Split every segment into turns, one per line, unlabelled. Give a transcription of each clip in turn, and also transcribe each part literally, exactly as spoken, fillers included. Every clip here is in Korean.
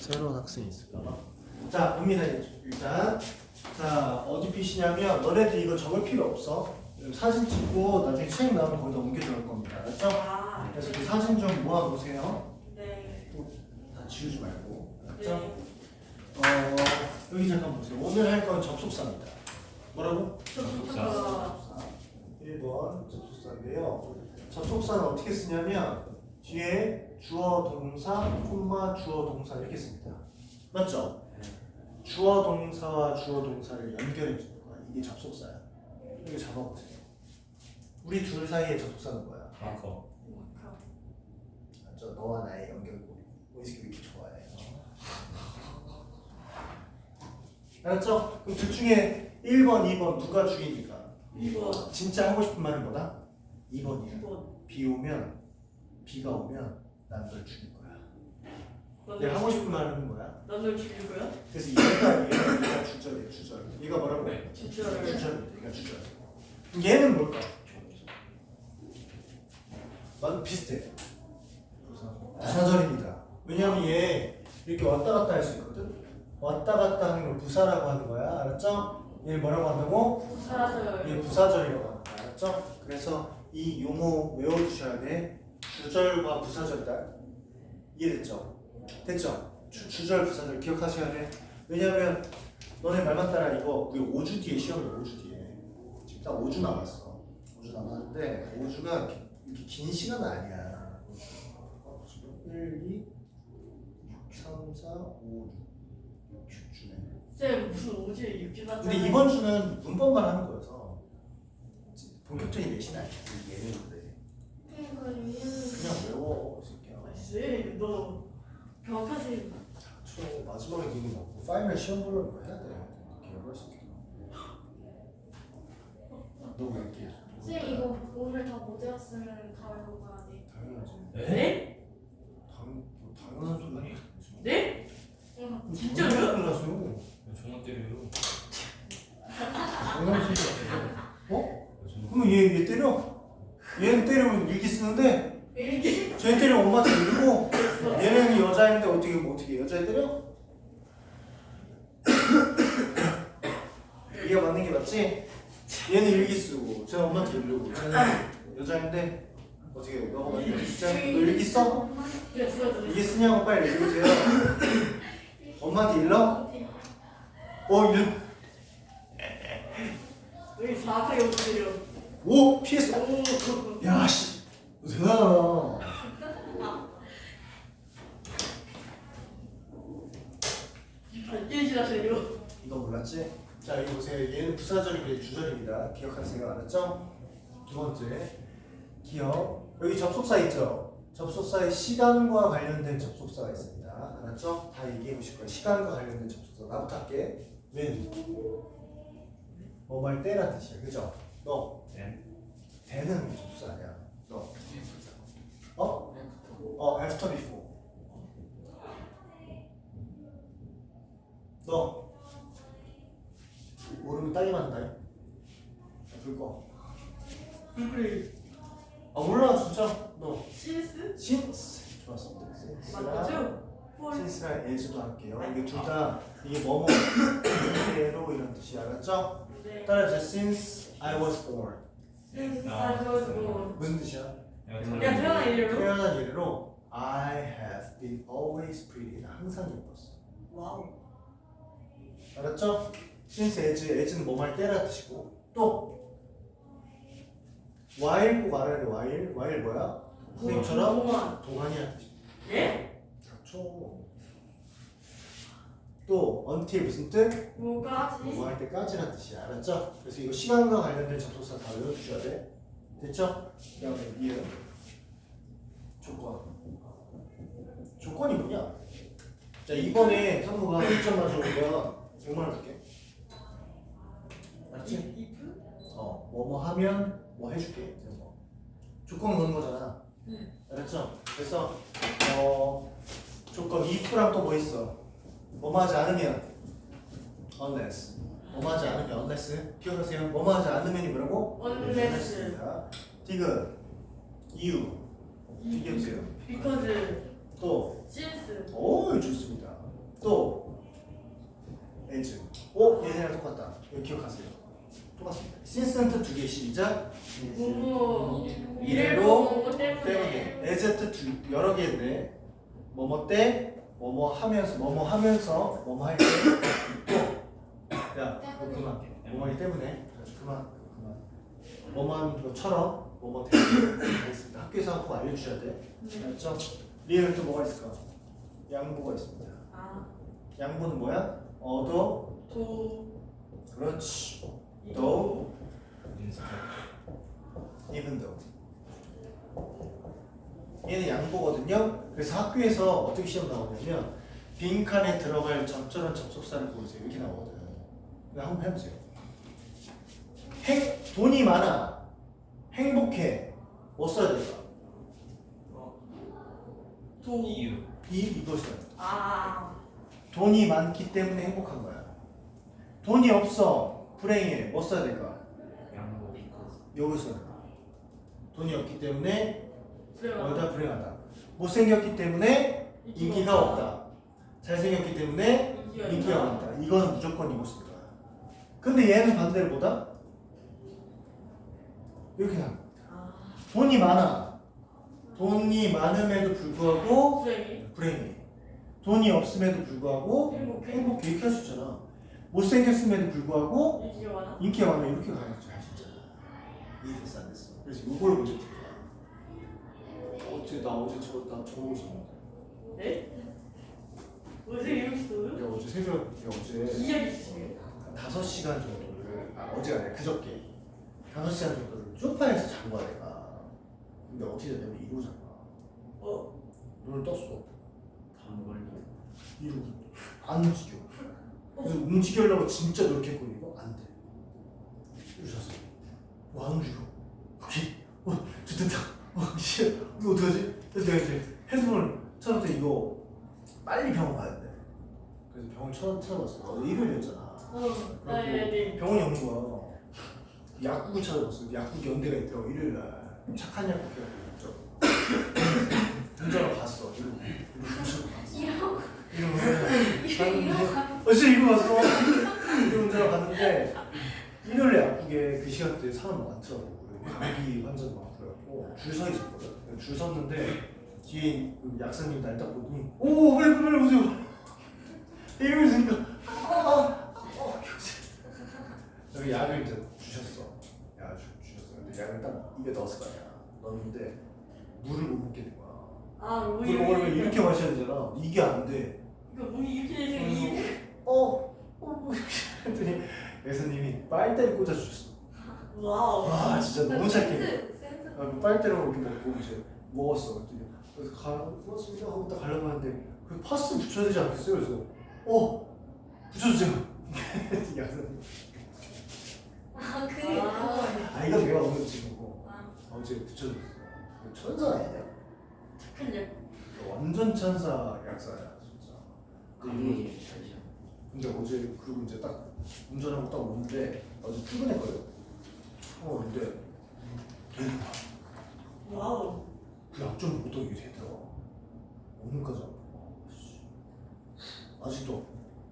새로운 학생이 있을까봐. 자, 봅니다. 일단 자 어디 피시냐면 너네들 이거 적을 필요 없어. 사진 찍고 나중에 책 나오면 거기다 옮겨 적을 겁니다. 알았죠?
아,
그래서
네.
그 사진 좀 모아놓으세요.
네.
다 지우지 말고. 알았죠?
네.
어, 여기 잠깐 보세요. 오늘 할 건 접속사입니다. 뭐라고?
접속사.
일 번 접속사인데요. 접속사는 어떻게 쓰냐면 뒤에 주어 동사, 콤마 주어 동사 이렇게 씁니다. 맞죠? 주어 동사와 주어 동사를 연결해 주는 거야. 이게 접속사야. 이거 잡아보세요. 우리 둘 사이의 접속사는 뭐야?
마커.
맞죠? 너와 나의 연결고리. 우리 왜 이렇게 좋아해? 알았죠? 그럼 둘 중에 일 번, 이 번 누가 주인일까?
이 번.
진짜 하고 싶은 말은 뭐다? 이 번이야.
이 번.
비 오면 비가 오면 난 널 죽일 거야.
넌
내가
널
하고
죽일
싶은 말은 뭐야?
넌 널 죽일 거야?
그래서 얘가 얘가 얘가 주절이야 주절. 얘가 뭐라고?
네.
주절을.
주절입니다. 얘가 주절. 그럼 얘는 뭘까? 맞 비슷해. 부사절입니다. 왜냐면 얘 이렇게 왔다 갔다 할 수 있거든. 왔다 갔다 하는 걸 부사라고 하는 거야. 알았죠? 얘를 뭐라고 한다고?
부사절.
얘 부사절이라고 하는 거야. 알았죠? 그래서 이 용어 외워두셔야 돼. 주절과 부사절이다. 이해됐죠? 됐죠? 주, 주절 부사절 기억하셔야 돼. 왜냐면 너네 말만 따라 이거 우리 오 주 뒤에 시험이 오 주 뒤에 지금 딱 오 주 남았어. 오 주 남았는데 오 주가 이렇게, 이렇게 긴 시간은 아니야. 일, 이, 육, 삼, 사, 오, 육, 육 주네.
쌤 무슨 오지에 육주 같잖아.
근데 이번 주는 문법만 하는 거여서 본격적인 내신 아니야. 예능인데 그냥 외워 이 새끼야.
쌤, 너 병학하세요.
저 마지막에 니는 뭐 파이널 시험 보려면 뭐 해야 돼. 개발 새끼. 너왜 이렇게?
쌤 이거 오늘 다 못 외웠으면 다음으로 가야 돼.
당연하지.
네?
당 뭐 당연한 소리 아니야.
네?
응.
진짜로요?
당연하세요.
전화 때려요.
당연한 소리 아니야. 어? 그러면 얘, 얘 때려? 얘는 때리면 일기 쓰는데
일기.
쟤 때리면 엄마한테 이러고 얘는 여자인데 어떻게 뭐 어떻게 여자애 때려? 이게 맞는 게 맞지? 얘는 일기 쓰고 쟤는 엄마한테 이러고 쟤는 여자인데 어떻게 너가 맞는 게 진짜? 너 일기 써?
네, 수고하셨어요.
일기 쓰냐고 빨리 읽으세요. 엄마한테 일러? 어 일.
여기 정확하게 오세요.
오 피했어.
오.
야씨 대단하다.
발견실하세요.
이거 몰랐지? 자 여기 보세요. 얘는 부사절이고 주절입니다. 기억하세요. 알았죠? 두 번째 기억. 여기 접속사 있죠? 접속사에 시간과 관련된 접속사가 있습니다. 알았죠? 다 얘기해 보실 거예요. 시간과 관련된 접속사. 나부터 할게. when. 뭐말 때란 뜻이야. 그죠? 너.
네.
대는 접속사 아니야. 너. 어? 어, after before. 너. 모르면 따기 맞는다. 불 꺼.
불불.
아 몰라 진짜. 너.
신스?
since. 좋았습니다. since랑
맞죠? 폴.
since랑 as도 할게요. 이게 둘 다 이게 뭐뭐 그대로 이런 뜻이 알았죠?
네.
따라해보세요. since I was born.
신스 사줘서.
무슨 뜻이야?
야, 태어난 이래로?
태어난 이래로 I have been always pretty. 나 항상 예뻤어.
와우.
알았죠? since as, as는 뭐 할 때라 뜻이고 또 while 꼭 알아야 돼. while. while 뭐야? 선생님처럼
동안.
동안이라는 뜻이야.
예?
닥쳐. 또 until 무슨 뜻?
뭐까지?
뭐 할 때까지라는 뜻이야. 알았죠? 그래서 이거 시간과 관련된 접속사 다 외워주셔야 돼. 됐죠? 그 다음에 이해 조건. 조건이 뭐냐? 자 이번에 상무가 일 점 맞춰보면 백만 원 줄게. 알았지?
이프?
어, 뭐뭐 하면 뭐 해줄게. 이런 거. 조건 거는 거잖아.
네.
알았죠? 그래서 어 조건 if랑 또 뭐 있어? 뭐뭐 하지 않으면 unless. 뭐뭐 하지 않으면 unless. 기억하세요. 뭐뭐 하지 않으면이 뭐라고?
unless.
디귿 이유. 얘기해보세요.
because
또
since
오 좋습니다. 어? 얘네랑 똑같다. 이거 기억하세요. 똑같습니다. since는 두 개 시작.
뭐뭐
이래로
뭐뭐
때문에
때문에
as 두 여러 개인데 뭐뭐 때 뭐뭐 하면서 뭐뭐 하면서 뭐뭐 할 때 있고 야 너 그만 뭐뭐하기 때문에 그래서 그만 그만 뭐뭐 하는 것처럼 뭐뭐 때문에 알겠습니다. 학교에서 한번 꼭 알려주셔야 돼. 알았죠? 리에는 또 뭐가 있을까? 양보가 있습니다.
아
양보는 뭐야? 얻어
도
그렇지 though
인스타
even though 얘는 양보거든요. 그래서 학교에서 어떻게 시험 나오냐면 빈칸에 들어갈 적절한 접속사를 고르세요. 이렇게 나오거든. 그냥 한번 해보세요. 행, 돈이 많아. 행복해. 뭐 써야 될까?
도
이유
이, 이걸 써야 돼.
아
돈이 많기 때문에 행복한 거야. 돈이 없어. 불행해. 뭐 써야 될까?
양보 because
여기 써야 돼. 돈이 없기 때문에
그래요
어디다 불행하다. 못생겼기 때문에 인기가 없다. 잘생겼기 때문에
인기가
인기가
있다.
많다. 이거는 무조건 이거 쓸 거야. 근데 얘는 반대로 보다 이렇게 나.
아
돈이 많아. 돈이 많음에도 불구하고
불행이
불행해. 돈이 없음에도 불구하고
행복해.
행복해. 이렇게 할 수 있잖아. 못생겼음에도 불구하고
인기가 많아
인기가 많아. 이렇게 가야지 할 수 있잖아. 이해됐어 안 됐어? 그래서 이걸 문제 풀 거야. 어제 나 어제 저 나 저러고 있었는데.
네? 어제 이렇게 써요?
야 어제 새벽 야 어제
이야기 있으세요?
다섯 시간 정도를 아 어제가 아니라 그저께 다섯 시간 정도를 소파에서 잔 거야 내가. 근데 어떻게 됐냐면 이러고 잔 거야.
어
눈을 떴어.
밥 걸리
이러고 안 움직여. 그래서 움직이려고 진짜 노력했거든요. 안 돼. 이러셨어. 뭐 안 움직여. 오케이. 어, 좋겠다. 어, 씨, 이거 어떡하지? 그래서 내가 이제 핸드폰을 찾았더니 이거 빨리 병원 가야 돼. 그래서 병원 찾, 찾아봤어. 어제 일요일이었잖아.
어, 네네
병원이 없는 거야. 약국을 찾아봤어. 약국 연대가 있더라고 일요일 날. 착한 약국 해가지고 운전을 갔어. 이러고 이러고
이러고
이러고 갔는데 어제 이거 왔어. 이러고 운전을 갔는데 일요일 약국에 그 시간대에 사람 많더라고. 감기 환자도 많고 그래갖고 줄 서 있었거든. 줄 섰는데 뒤에 그 약사님 날 딱 보더니 오 빨리 빨리 오세요. 이러고 있으니까 아, 어, 여기 약을 이제 주셨어. 약 주, 주셨어. 근데 약을 딱 입에 넣었을 거 아니야. 넣었는데 물을 못 먹겠는 거야.
아
물
우유
먹으려면 이렇게 마셔야 되잖아. 이게 안 돼.
이거 문이 이렇게 되세요 이
어, 어, 뭐 이렇게 했더니 예수님이 빨대를 꽂아 주셨어.
와우
와 진짜 너무 착해.
센스 센스
아, 그 빨대로 이렇게 먹고 이제 먹었어. 그랬더니 그래서 가, 고맙습니다 하고 딱 가려고 하는데 그 파스 붙여야 되지 않겠어요? 그래서 어 붙여주세요. 약사님.
아그
아.
아 이거 내가 오늘 친구고
아.
어제 붙여줬어. 천사 아니냐?
착한 약
완전 천사 약사야 진짜. 근데 이거
감기 잘죠
근데 어제 그리고 이제 딱 운전하고 딱 오는데 어제 출근했거든. 어 근데 되게
와우
그 약점 보통 이게 되더라. 오늘까지 안 먹어. 아직도.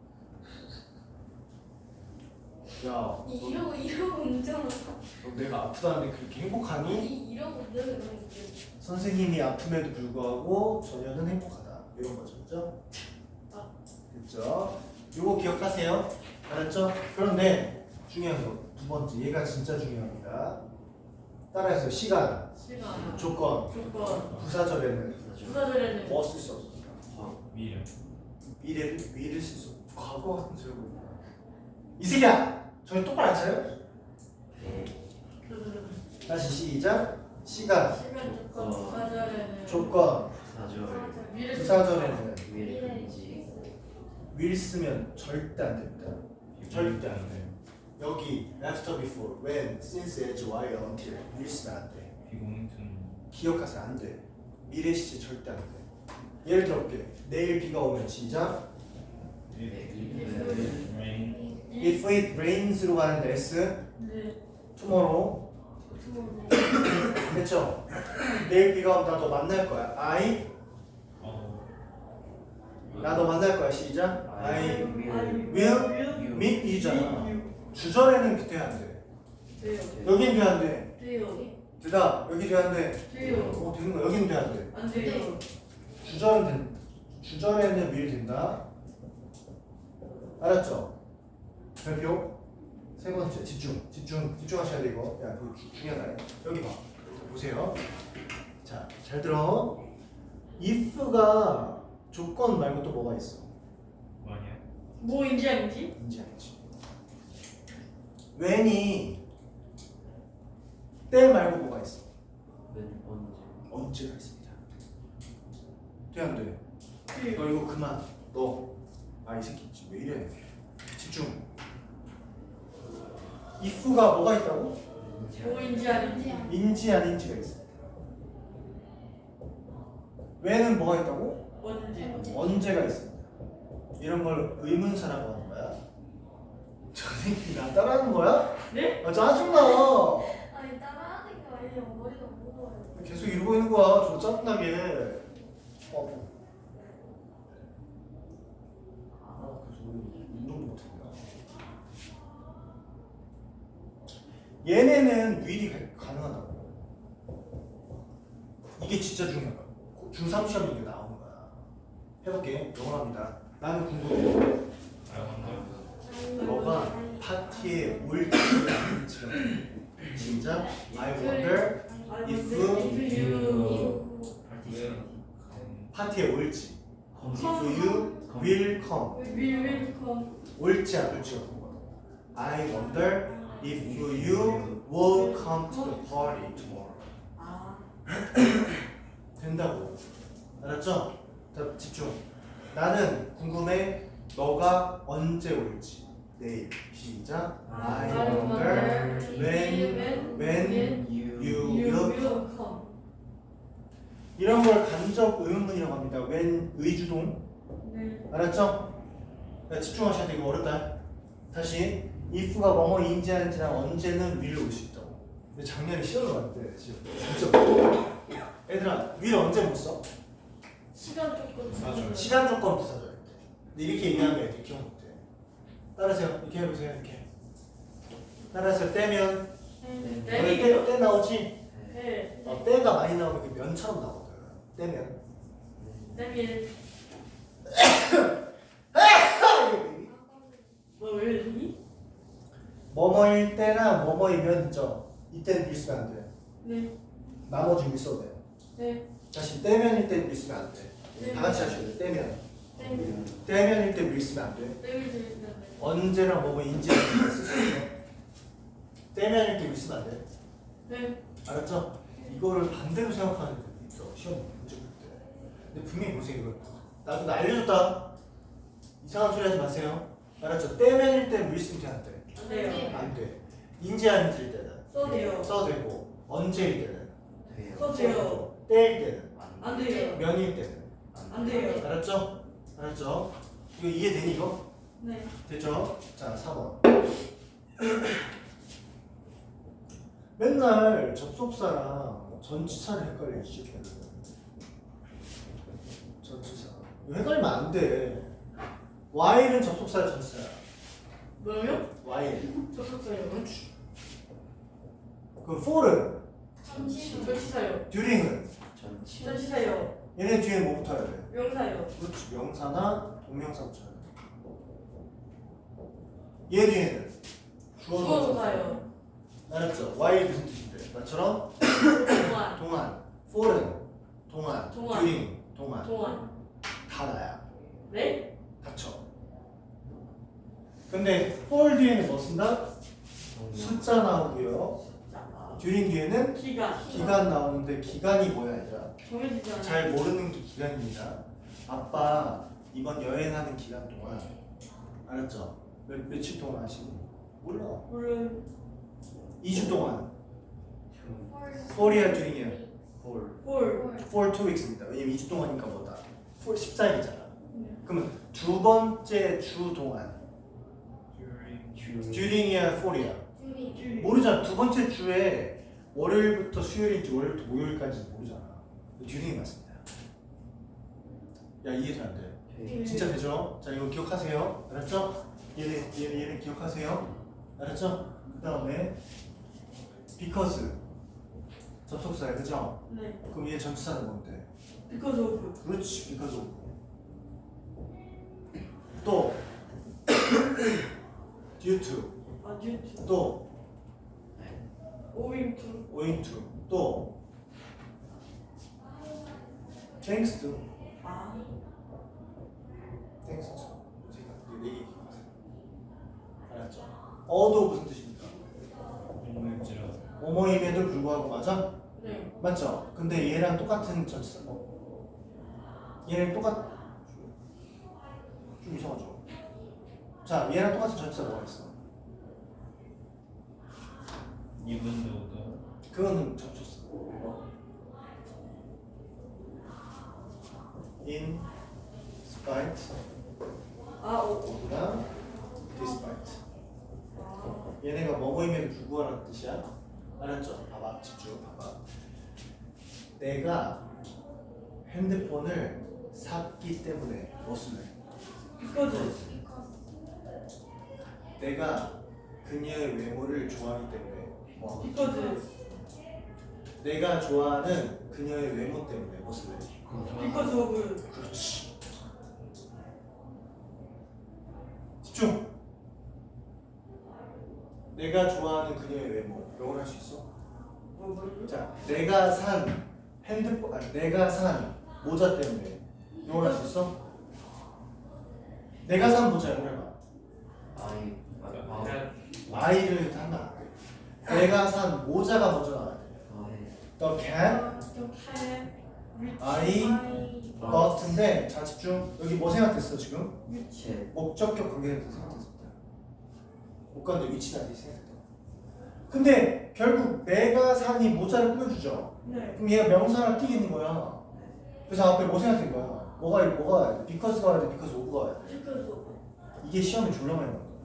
야, 너,
이러고 이러고 운전을
너 내가 아프다는데 그렇게 행복하니?
이 이러고 늘 이러고
선생님이 아픔에도 불구하고 전혀는 행복하다. 이런 거죠, 그죠?
아.
그죠? 요거 기억하세요. 알았죠? 그런데 중요한 거 두 번째, 얘가 진짜 중요합니다. 따라해서 시간,
시간
조건,
조건
부사절에는
부사절에는
뭐 쓸 수 없습니다.
미래
미래를 미래를 쓸 수 없고 과거 같은 소리 하고 있나? 이 새끼야, 저희 똑바로 안 차요? 다시 시작. 시간,
시간 조건 부사절에는
조건,
사절
미래
부사절에는
미래 금지
will 쓰면 절대 안 됩니다. 절대 안 돼. 여기 after, before, when, since, as, while, until will 쓰면 안 돼.
비공통
기억하세요. 안 돼. 미래 시제 절대 안 돼. 예를 들어 볼게. 내일 비가 오면 시작.
rain
If it rains로 가는데 S.
네
tomorrow. 됐죠? 내일 비가 온다. 너 만날 거야. I
어
나 너 만날 거야. 시작. I
will
will meet you잖아. 주절에는 돼야 안 돼.
돼요.
여긴 돼야 안 돼.
돼요.
되다. 여기 돼야 안 돼.
돼요.
어, 되는 거야. 여긴 돼야 안 돼.
안 돼요.
주절은 된. 주절에는 will 된다. 알았죠? 별표. 세 번째 집중. 집중. 집중하셔야 돼 이거. 야, 그거 주- 중요하다. 여기 봐. 보세요. 자, 잘 들어. if가 조건 말고 또 뭐가 있어?
뭐냐?
뭐인지 아닌지?
인지 아니지. when이 때 말고 뭐가 있어?
웬 언제?
언제가 있습니다. 돼 안 돼?
돼요.
너 이거 그만. 너. 아, 이 새끼 왜 이래? 집중. if가 뭐가 있다고?
뭐인지 아닌지?
인지 아닌지가 있어. when은 뭐가 있다고?
언제?
언제가 있습니다. 이런 걸 의문사라고 하는 거야. 저 새끼 나 따라하는 거야?
네?
아, 짜증나.
아니 따라하는 게 아니라 머리가 무거워요.
계속 이러고 있는 거야. 저 짜증나게. 어. 아, 그래서 오늘 운동도 못했냐. 얘네는 위리 가능하다고. 이게 진짜 중요하다. 중삼 시험에 이게 나오는 거야. 해볼게. 영어합니다. 나는 궁금해. 너가 파티에 올지 아닌지가 시작. I wonder if
you
파티에 올지. If you will come.
we will come.
올지 안 올지가 궁금해. I wonder if you will come to the party tomorrow.
아,
된다고. 알았죠? 자, 집중. 나는 궁금해. 너가 언제 올지. 내일. 시작. I wonder when when
You
you
you
will
will come.
이런 걸 간접 의문문이라고 합니다. when 의주동.
네.
알았죠? 자, 집중하셔야 돼. 이거 어렵다. 다시 if가 뭐뭐인지 아닌지랑 언제는 will 올 수 있다고. 근데 작년에 시험을 봤는데 진짜 진짜 얘들아 will 언제 못 써?
시간 조금.
맞아. 시간 조건 부사절. 근데 이렇게 얘기하면 애들이 기억 못해. 따라하세요. 이렇게 해보세요. 이렇게. 따라하세요. 떼면
네.
너네 때, 때 나오지?
네.
어, 때가 많이 나오면 이렇게 면처럼 나오거든. 떼면.
땜일. 뭐왜 이러니?
뭐뭐일 때나 뭐뭐이면 있죠. 이때는 밀수면 안 돼.
네.
나머지 밀서도 돼.
네.
다시 떼면일 때 밀수면 안 돼.
네.
다 같이 하셔야 돼. 떼면.
땜일.
떼면일 때 밀수면 안 돼.
땜일 들리는데.
언제랑 뭐뭐인지 쓸 수 있어. 떼면일 때 밀수면 안 돼.
네.
알았죠? 이거를 반대로 생각하는 분이 있어. 시험 문제 볼 때. 근데 분명히 보세요. 이거 나도 나 알려줬다. 이상한 소리 하지 마세요. 알았죠? 떼면일 때 밀수면 돼, 안 돼?
안 돼요.
안 돼. 인지 아닌지일 때는
써도요.
써도 되고 언제일 때는
돼요.
써도 돼요.
때일 때는
안 돼요.
면일 때는
안 돼요.
알았죠? 알았죠? 이거 이해되니 이거?
네.
됐죠? 자, 사 번. 맨날 접속사랑 전치사를 헷갈려 시작해요. 전치사. 이거 헷갈리면 안 돼. while은 접속사 전치사야.
뭐요?
while.
접속사요.
그럼 for은,
잠시
전치사요.
during은
전치.
전치사요.
얘네 뒤에 뭐 붙어야 돼?
명사요.
그렇지. 명사나 동명사 붙여야 돼. 얘 뒤에는 주어서
주어사요.
알았죠? while 무슨 뜻인데? 나처럼
동안.
동안, for은 동안,
동안.
during 동안
동안.
다 나야.
네?
닥쳐. 근데 for 뒤에는 뭐 쓴다? 숫자 나오고요.
자,
during 뒤에는
기간.
기간 나오는데 기간이 뭐야 얘들아?
정해지지 않아요.
잘 모르는 게 기간입니다. 아빠 이번 여행하는 기간 동안 알았죠? 몇, 며칠 동안 하시니? 몰라.
물론
이 주 동안 for이야 during이야?
홀.
홀.
for two weeks입니다. 왜냐면 이 주 동안이니까 뭐다? for 십사 일이잖아.
네.
그러면 두 번째 주 동안
주.
during이야 for이야?
줄이
줄.
모르잖아. 두 번째 주에 월요일부터 수요일인지 월요일부터 목요일까지 모르잖아. during이 맞습니다. 야 이해 잘 안 돼?
돼.
진짜 되죠? 자 이거 기억하세요. 알았죠? 얘는 얘는 얘는 기억하세요. 알았죠? 그 다음에 because 접속사야, 그죠?
네.
그럼 얘 전치사는 뭔데?
because of.
그렇지, because of. 또 due to,
아 due to.
또
owing to.
owing to, 또 thanks to,
아.
thanks to. 제가 네 얘기 기억하세요. 알았죠? 어도 무슨 뜻입니까?
인물지라.
뭐뭐임에도 불구하고, 맞아?
네.
맞죠? 근데 얘랑 똑같은 전치사. 어. 얘랑 똑같. 좀 이상하죠? 자, 얘랑 똑같은 전치사 뭐가 있어?
even though도.
그거는 접촉사. 어? in spite
아 오.
of나 despite.
아.
얘네가 뭐뭐임에도 불구하라는 뜻이야. 알았죠? 봐봐, 집중. 봐봐. 내가 핸드폰을 샀기 때문에 무엇을 해?
because.
because
내가 그녀의 외모를 좋아하기 때문에 뭐?
because.
내가 좋아하는 그녀의 외모 때문에 무엇을 해?
because of.
그렇지. 집중. 내가 좋아하는 그녀의 외모. 영어로 할 수 있어?
뭐 뭐요?
자, 내가 산 핸드폰, 아니 내가 산 모자 때문에 영어로 할 수 있어? 내가 산 모자 영어로 해봐.
I. 아.
아이를 하면 안 돼. 내가 산 모자가 먼저 나와야 돼. The cat
the cat which
I
I
bught인데, 자 집중. 여기 뭐 생각했어 지금?
제.
목적격 관계에서 생각했습니다. 못 갔는데 위치는 아직 생각했다. 근데 결국 내가 산이 모자를 꾸며주죠.
네.
그럼 얘가 명사나 띄겠는 거야. 그래서 앞에 뭐 생각된 거야? 뭐가 뭐가 와야 돼? because가 와야 돼? because of가 와야 돼?
because of.
이게 시험에 졸라 많이 나온다.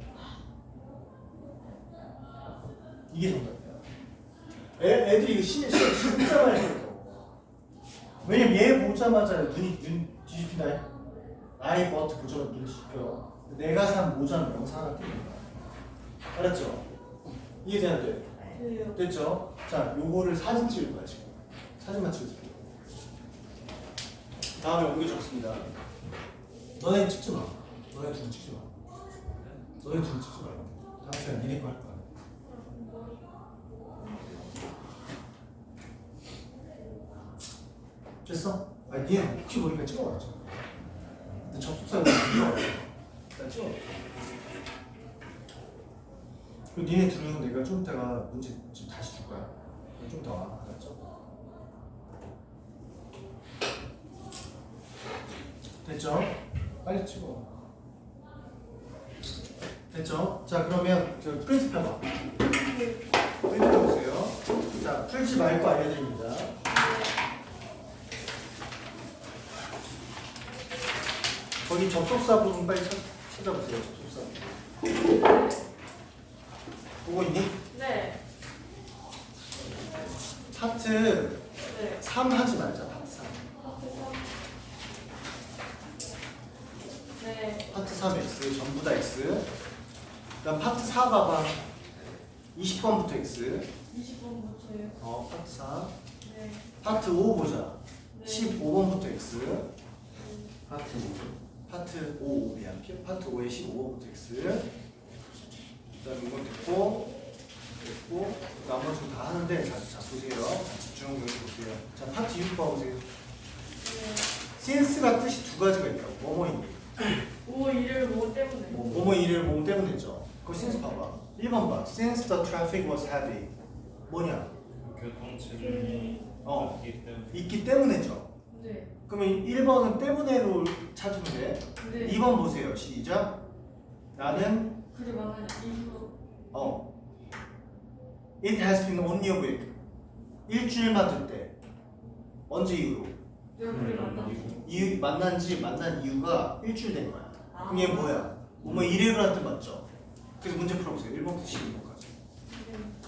이게 정답이야. 애, 애들이 이거 시, 시, 진짜 많이 들었다고. 왜냐면 얘 보자마자 눈이 눈 뒤집힌다. I bought 보자마자 눈 뒤집혀. 내가 산 모자는 명사 하나 띄는 거야. 알았죠? 이해되는데?
네.
됐죠? 자, 요거를 사진 찍을 거야 지금. 사진만 찍으세요. 다음에 옮겨 적습니다. 너네 찍지 마. 너네 둘 찍지 마. 너네 둘 찍지 마. 다음 시간 니네 거 할 거야. 됐어? 아니 니네 혹시 모르니까 찍어봤죠. 근데 접속사를 찍어. 일단 찍어. 그리고 니네 둘은 내가 좀 이따가 문제 지금 다시 줄 거야. 좀 더 와. 알았죠? 됐죠? 빨리 찍어. 됐죠? 자 그러면 저 프린트 펴봐. 프린트 펴보세요. 자 풀지 말고 알려드립니다. 거기 접속사 부분 빨리 찾, 찾아보세요. 접속사. 보고 있니?
네.
파트
네.
삼 하지 말자. 파트 삼.
네.
파트 삼 X 전부 다 X. 그다음 파트 사 봐봐. 이십 번부터 X.
이십 번부터요.
어 파트 사.
네.
파트 오 보자.
네.
십오 번부터 X.
파트.
파트 오 미안. 파트 오의 십오 번부터 X. 그다음 이건 됐고 됐고 나머지는 다 하는데 자, 자 보세요. 자, 집중 여기 보세요. 자 파트 육 봐보세요.
네.
since가 뜻이 두 가지가 있다고. 뭐뭐인
오 일을 뭐 때문에.
뭐뭐 일을 몸 때문에 했죠. 그거 since 봐봐. 일 번 봐. Since the traffic was heavy. 뭐냐?
교통체증이
어.
있기 때문에.
있기 때문에죠.
네.
그러면 일 번은 때문에로 찾으면 돼.
네.
이 번 보세요. 시작. 나는
그리 많은 이유.
어. It has been only a week. 일주일만 됐대. 언제 이후로?
내가 그리 만나.
이유 만난 지 만난 이유가 일주일 된 거야.
아.
그럼 얘 뭐야? 뭐뭐 이래로란 뜻 맞죠? 그래서 문제 풀어보세요. 일 번부터 십이 번까지.
네.